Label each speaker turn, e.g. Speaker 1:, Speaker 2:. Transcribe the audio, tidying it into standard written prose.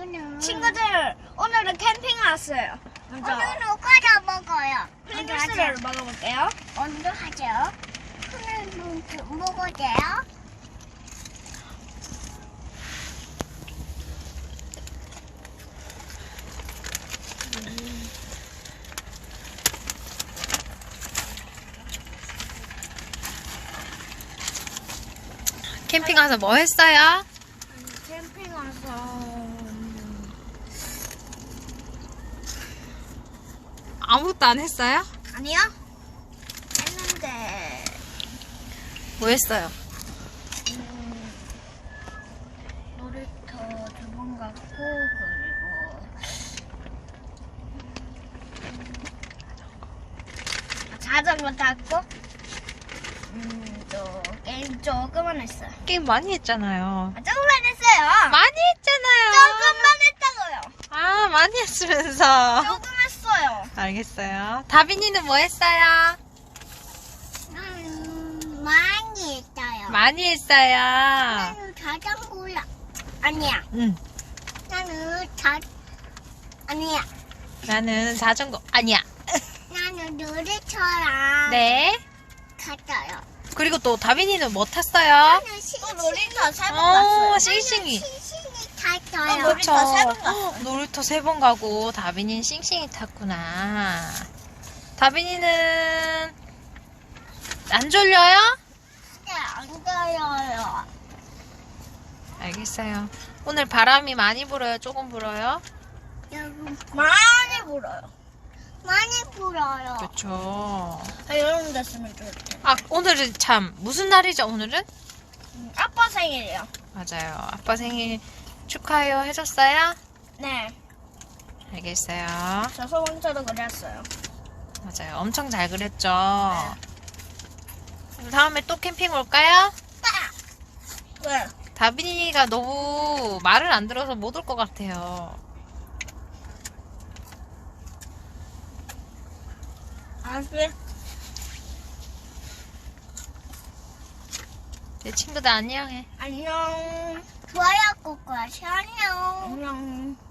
Speaker 1: 친구들, 오늘은 캠핑 왔어요. 먼저
Speaker 2: 오늘 누가 먹어요?
Speaker 1: 프링글스를 먹어볼게요.
Speaker 2: 먼저 하죠. 오늘 먹어도 돼요?
Speaker 3: 캠핑 가서 뭐 했어요?
Speaker 1: 캠핑 와서
Speaker 3: 아무것도 안 했어요?
Speaker 1: 아니요? 했는데
Speaker 3: 뭐 했어요?
Speaker 1: 놀이터 2번 갔고 그리고 자전거 탔고 또 게임 조금만 했어요.
Speaker 3: 게임 많이 했잖아요.
Speaker 1: 조금만 했어요.
Speaker 3: 많이 했잖아요.
Speaker 1: 조금만 했다고요.
Speaker 3: 아, 많이 했으면서.
Speaker 1: 조금 했어요.
Speaker 3: 알겠어요. 다빈이는 뭐 했어요?
Speaker 2: 많이 했어요.
Speaker 3: 많이 했어요.
Speaker 2: 나는 자전거라. 아니야.
Speaker 3: 응.
Speaker 2: 아니야.
Speaker 3: 나는 자전거, 아니야.
Speaker 2: 나는 놀이터랑
Speaker 3: 네.
Speaker 2: 갔어요.
Speaker 3: 그리고 또 다빈이는 뭐 탔어요?
Speaker 2: 나는
Speaker 1: 또 놀이터 3번 갔어요.
Speaker 3: 싱싱이.
Speaker 2: 싱싱이 탔어요.
Speaker 1: 놀이터 3번 갔어요.
Speaker 3: 놀이터 3번 가고 다빈이는 싱싱이 탔구나. 다빈이는 안 졸려요?
Speaker 2: 네, 안 가요.
Speaker 3: 알겠어요. 오늘 바람이 많이 불어요? 조금 불어요?
Speaker 2: 여러분,
Speaker 1: 많이 불어요.
Speaker 2: 많이 불어요.
Speaker 3: 그렇죠.
Speaker 1: 여름 됐으면 좋겠다.
Speaker 3: 아, 오늘은 참 무슨 날이죠? 오늘은?
Speaker 1: 아빠 생일이요.
Speaker 3: 맞아요. 아빠 생일 축하해요 해줬어요?
Speaker 1: 네.
Speaker 3: 알겠어요.
Speaker 1: 저 소방차도 그렸어요.
Speaker 3: 맞아요. 엄청 잘 그렸죠? 그럼 다음에 또 캠핑 올까요?
Speaker 1: 왜?
Speaker 3: 다빈이가 너무 말을 안 들어서 못 올 것 같아요.
Speaker 1: 알았어요.
Speaker 3: 내 친구들 안녕해.
Speaker 1: 안녕.
Speaker 2: 좋아요, 꾹꾹 하세요. 안녕.
Speaker 1: 안녕.